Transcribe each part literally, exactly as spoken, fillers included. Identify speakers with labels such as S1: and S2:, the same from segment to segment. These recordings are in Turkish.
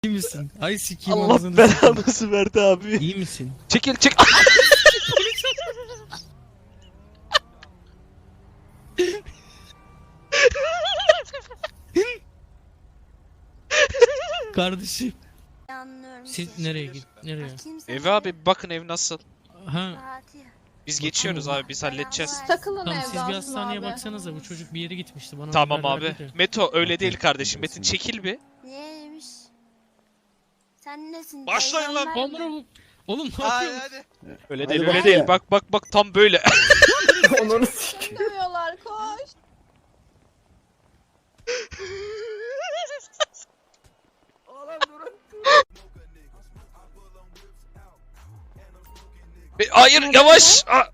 S1: İyi misin? Ay sikiyim
S2: Allah
S1: ağzını sikeyim.
S2: belanızı verdi abi.
S1: İyi misin?
S2: Çekil çek.
S1: Kardeşim.
S3: Anlıyorum.
S1: Siz nereye git? Nereye?
S2: Ev abi bakın ev nasıl.
S1: Ha.
S3: Fatih.
S2: Biz
S1: Bakın
S2: geçiyoruz
S1: oğlum.
S2: abi biz halledeceğiz.
S4: Takılın
S1: Tamam
S4: evde
S1: siz bir
S4: aslında
S1: hastaneye
S4: abi.
S1: baksanıza, bu çocuk bir yere gitmişti bana.
S2: Tamam
S1: haber
S2: abi.
S1: verdi de.
S2: Meto öyle değil kardeşim. Metin çekil bir.
S3: Neymiş? Sen nesin?
S5: Başlayın lan.
S3: Peygamber mi?
S1: Oğlum, oğlum ne
S5: Hadi
S1: yapıyorsun?
S5: hadi.
S2: Öyle
S6: Hadi
S2: değil
S6: bak
S2: öyle
S6: ya.
S2: değil. Bak bak bak tam böyle.
S6: Onları sik.
S4: Dövüyorlar koş.
S2: Be- Hayır yavaş. Aa,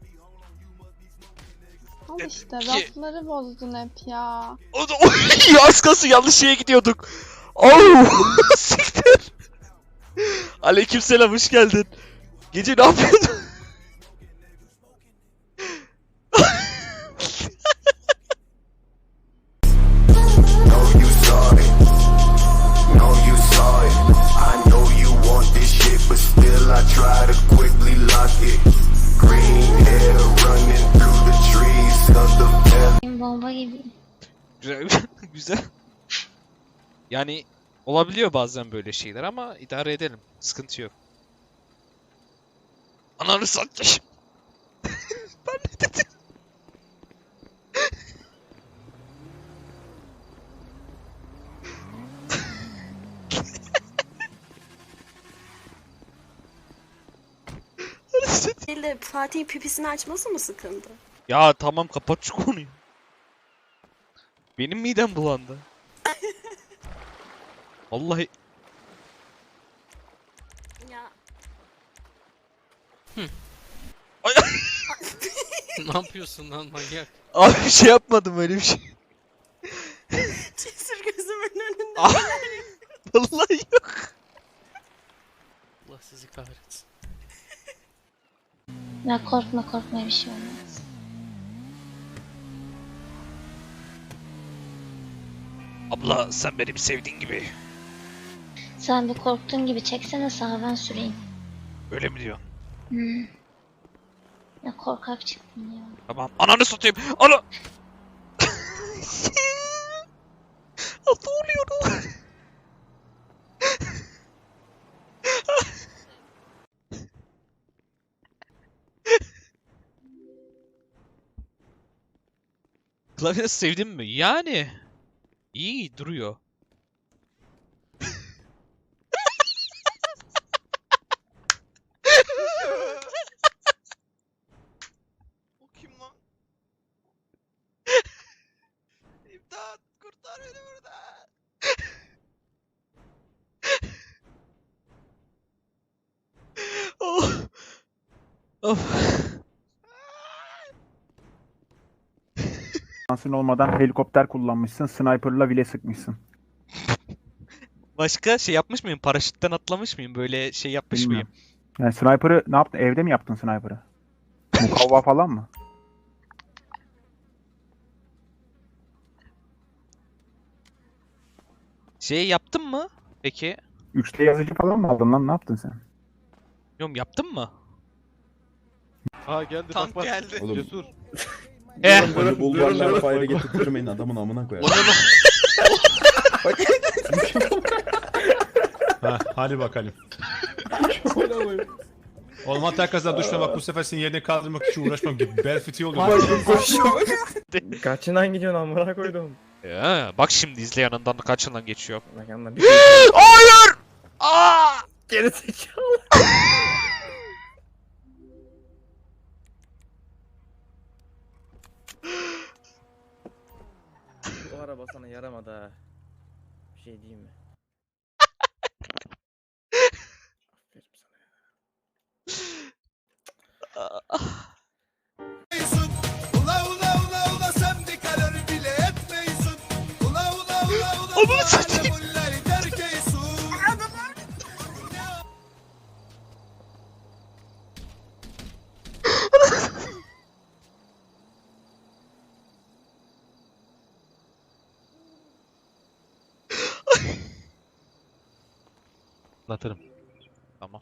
S4: Al işte rafları bozdun hep ya.
S2: o da oy, az kalsın yanlış şeye gidiyorduk. Oh, siktir. Aleykümselam hoş geldin. Gece ne yapıyordun?
S7: Know you saw it. Know you saw it. I know you want this shit, but still I try to quickly lock it. Green hair running through the trees of the valley.
S3: Bomba gibi.
S2: Güzel. Güzel. Yani olabiliyor bazen böyle şeyler ama idare edelim. Sıkıntı yok. Ananı satayım. Ben ne dedim? Ananı satayım.
S8: Değil de Fatih'in pipisini açması mı sıkıntı?
S2: Ya tamam kapat şu konuyu. Benim midem bulandı. Vallahi
S8: Ya
S2: Ay,
S1: Ne yapıyorsun lan manyak?
S2: abi bir şey yapmadım öyle bir şey.
S8: cesur gözümün önünde.
S2: Ah, vallahi yok.
S1: Allah sizi kahretsin.
S3: Ya korkma korkma, bir şey olmaz.
S2: Abla sen benim sevdiğin gibi.
S3: Sen de korktuğun gibi çeksene sağa, ben süreyim.
S2: Öyle mi diyorsun?
S3: Hmm. Ya korkak çıktın ya.
S2: Tamam. Ananı satayım. Ana. Ne oluyor? Klavyesi sevdin mi? Yani. İyi duruyor.
S5: O kim lan? İmdat kurtar beni buradan.
S2: Oh. Of.
S6: Şansın olmadan helikopter kullanmışsın. Sniper'la bile sıkmışsın.
S2: Başka şey yapmış mıyım? Paraşütten atlamış mıyım? Böyle şey yapmış
S6: Bilmiyorum.
S2: mıyım?
S6: Yani sniper'ı ne yaptın? Evde mi yaptın sniper'ı? Mukavva falan mı?
S2: Şey yaptın mı? Peki.
S6: üç D yazıcı falan mı aldın lan? Ne yaptın sen?
S2: Yok yaptın mı?
S5: Ha geldi
S2: Tank
S5: bak bak.
S2: geldi.
S5: Oğlum. Cesur.
S2: Eh.
S9: Böyle bulvarlar fire'e getirtirmeyin adamın amına koyar.
S10: Ha, hadi bakalım. Oğlum hatta herkesten düşme bak, bu sefer senin yerine kaldırmak için uğraşmam gibi. Bel fıtığı oluyor.
S6: Kaçından gidiyorsun amına koydum.
S2: Ya, bak şimdi izle yanından kaç yıldan geçiyor.
S6: Hayır!
S2: Aa!
S6: Geri zekalı.
S11: O araba sana yaramadı ha. Bir şey diyeyim mi? Aferin sana ya.
S5: Ula ula ula ula sen bir karar bile etmiyorsun. Ula ula ula ula
S2: Ananı satayım.
S5: alevulleri terk eysun.
S12: Anlatırım. Tamam.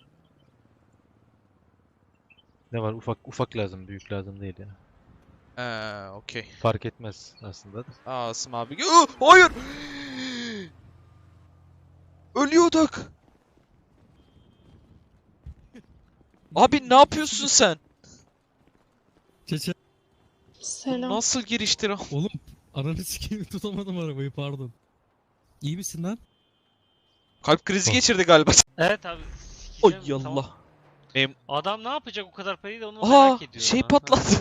S12: Ne var? Ufak ufak lazım, büyük lazım değil ya.
S2: Eee okey.
S12: Fark etmez aslında.
S2: Asım abi. Aa, hayır. Ölüyorduk. Abi ne yapıyorsun sen?
S1: Çeçe.
S4: Selam.
S2: Nasıl giriştir?
S1: Oğlum ananı sikeyim tutamadım arabayı pardon. İyi misin lan?
S2: Kalp krizi geçirdi galiba.
S11: Evet abi.
S2: Oy
S11: sikeceğim, tamam.
S2: Allah. Em
S11: Adam ne yapacak o kadar parayı da onu
S2: Aa,
S11: merak ediyorum.
S2: şey
S11: ha.
S2: patladı.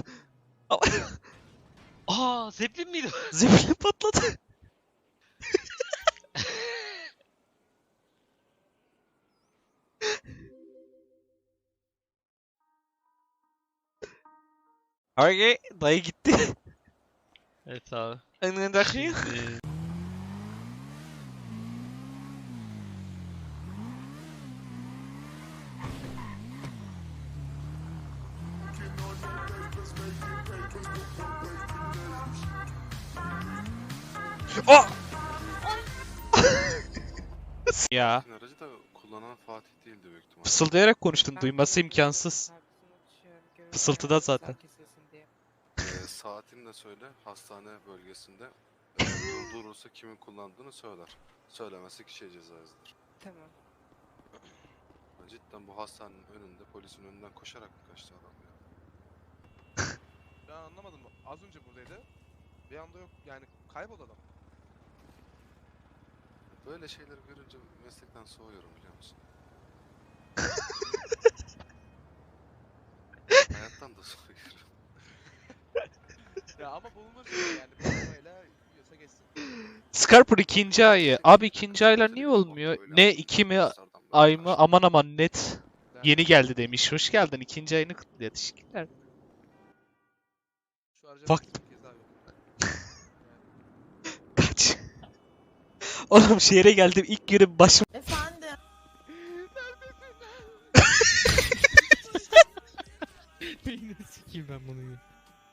S11: Aa, Zeppelin miydi?
S2: Zeppelin patladı. Hayır, dayı gitti.
S11: Evet abi.
S2: Önündeki.
S11: Şimdi-
S2: Aa! Ya.
S5: Aracı da kullanan Fatih değildi büyük ihtimalle.
S2: Fısıldayarak konuştun, duyması imkansız. Fısıltıda zaten.
S5: Ee, saatini de söyle, hastane bölgesinde. Ee, durdurursa kimin kullandığını söyler. Söylemezse kişiye ceza yazılır.
S8: Tamam.
S5: Cidden bu hastanenin önünde, polisin önünden koşarak mı kaçtı adam ya?
S10: Ben anlamadım. Az önce buradaydı. Bir anda yok. Yani kayboldu adam.
S5: Böyle şeyleri görünce meslekten soğuyorum biliyor musun? Hayattan da soğuyorum.
S10: Ya ama bulunur şey yani. Bir arabayla yiyorsa geçsin.
S2: Scarper ikinci ayı. Abi ikinci aylar niye olmuyor? Ne iki mi ay mı? Aman aman net. Yeni geldi demiş. Hoş geldin. İkinci ayını kutluyor. Teşekkürler.
S10: Şu aracı
S2: Bak.
S10: sekiz kez abi.
S2: Kaç. Oğlum şehre geldim. İlk günüm başım.
S8: Efendim.
S1: Beynini sikeyim ben bunu ya.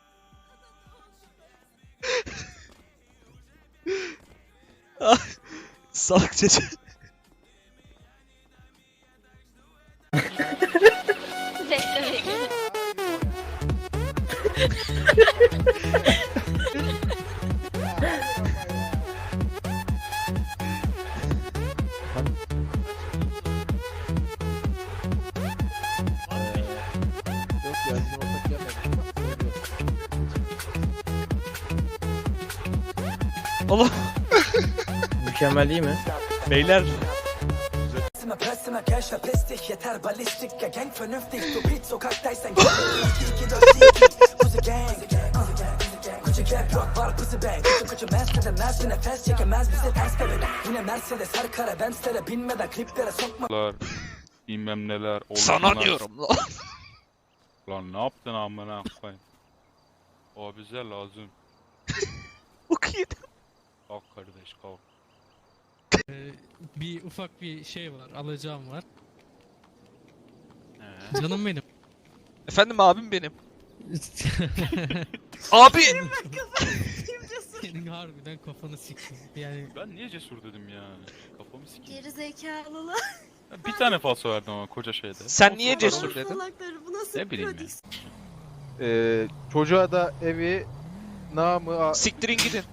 S2: Salak çocuk.
S3: Bekle bekle.
S11: Yok ya, bizim ortak gelmedi.
S2: Allah.
S11: Mükemmel değil mi?
S2: Beyler.
S5: Pressime pressime cash ve pestik yeter balistik ya gang vernünftig du beat sokaktaysan Kuzu gang Kuzu gap rock var pussy bang Kuzu kuzu mask edemez bir nefes çekemez bizi ters bebek Yine Mercedes her kara Benz'lere binmeden kliplere sokma
S12: Bilmem neler.
S2: Sana diyorum lan.
S12: Lan ne yaptın amına koyayım? O bize lazım.
S2: Okuyun.
S12: Kalk kardeş kalk.
S1: Ee, bir ufak bir şey var alacağım var.
S12: He.
S1: Canım benim.
S2: Efendim abim benim. Abi.
S1: Senin harbiden kafanı sikeyim. Yani
S12: Ben niye cesur dedim ya? Kafamı sikeyim.
S8: Geri zekalılar.
S12: Bir tane falso verdim ama koca şeyde.
S2: Sen niye cesur dedin?
S8: Salakları bu nasıl
S12: Ne bileyim ya.
S8: prodüksiyon?
S9: Ee, çocuğa da evi namı
S2: Siktirin gidin.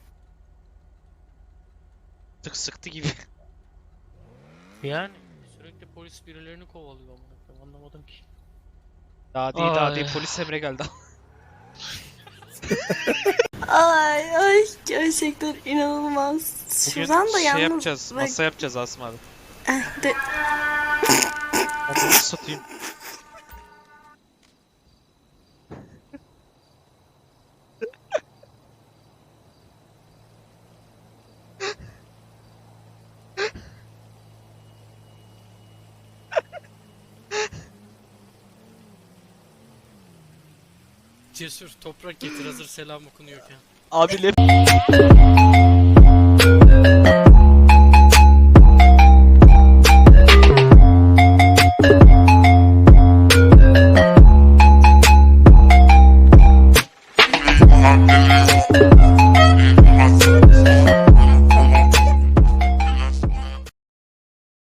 S2: Tık sıktı gibi.
S11: Yani.
S1: sürekli polis birilerini kovalıyor amına koyayım, anlamadım ki.
S2: Daha değil daha
S1: Ay.
S2: değil polis emre geldi.
S8: Ay ay gerçekten inanılmaz.
S2: Bugün
S8: Şuradan da
S2: şey
S8: yalnız
S2: yapacağız.
S8: bak-
S2: Masa yapacağız Asım abi.
S8: Eh, de-
S2: Onu satayım.
S1: Cesur toprak getir hazır selam okunuyorken.
S2: Abi lep